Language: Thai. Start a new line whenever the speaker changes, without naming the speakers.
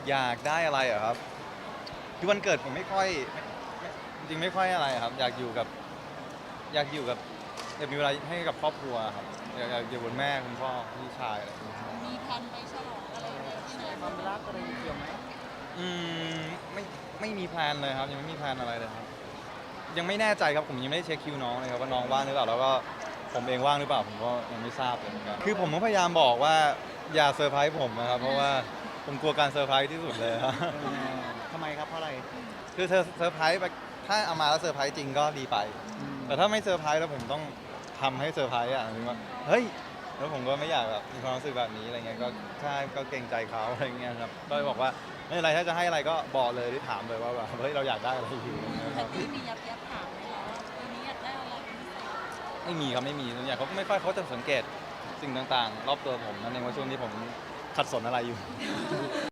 อยากได้อะไรเหรอครับคือวันเกิดผมไม่ค่อยจริงๆไม่ค่อยอะไรครับอยากอยู่กับอยากมีเวลาให้กับครอบครัวครับอยากอยู่กับแม่คุณพ่อพี่ชายอะไรอย่างเงี้ยครับ
มีแผนไปฉลองอะไรในที่ไหน
ความรักอะไรเกี่ยวไหม
อืมไม่ไม่มีแพลนเลยครับยังไม่มีแพลนอะไรเลยครับยังไม่แน่ใจครับผมยังไม่ได้เช็คคิวน้องเลยครับว่าน้องว่างหรือเปล่าแล้วก็ผมเองว่างหรือเปล่าผมก็ยังไม่ทราบเลยเหมือนกันคือผมก็พยายามบอกว่าอย่าเซอร์ไพรส์ผมนะครับเพราะว่าผมกลัวการเซอร์ไพรส์ที่สุดเลยครับ
ทำไมครับเพราะอะไร
คือเธอเซอร์ไพรส์ไปถ้าเอามาแล้วเซอร์ไพรส์จริงก็ดีไป แต่ถ้าไม่เซอร์ไพรส์แล้วผมต้องทำให้เซอร์ไพรส์อ่ะถึงว่าเฮ้ยแล้วผมก็ไม่อยากแบบมีความรู้สึกแบบนี้อะไรเงี้ยก็ใช่ก็เกรงใจเขาอะไรเงี้ยครับก็เลยบอกว่าไม่เป็นไรถ้าจะให้อะไรก็บอกเลยหรือถามเลยว่าแบบเฮ้ยเราอยากได้อะไรอยู่นะค
แต่
รับ
ที่มียับถามไหมคะว่าปีนี้อยากได้อะไรเป็นพิเศษ
ไม่มีครับไม่มีส่วนใหญ่เขาก็ไม่ค่อยเขาจะสังเกตสิ่งต่างๆ รอบตัวผมนั่นเองว่าช่วงนี้ผมขัดสนอะไรอยู่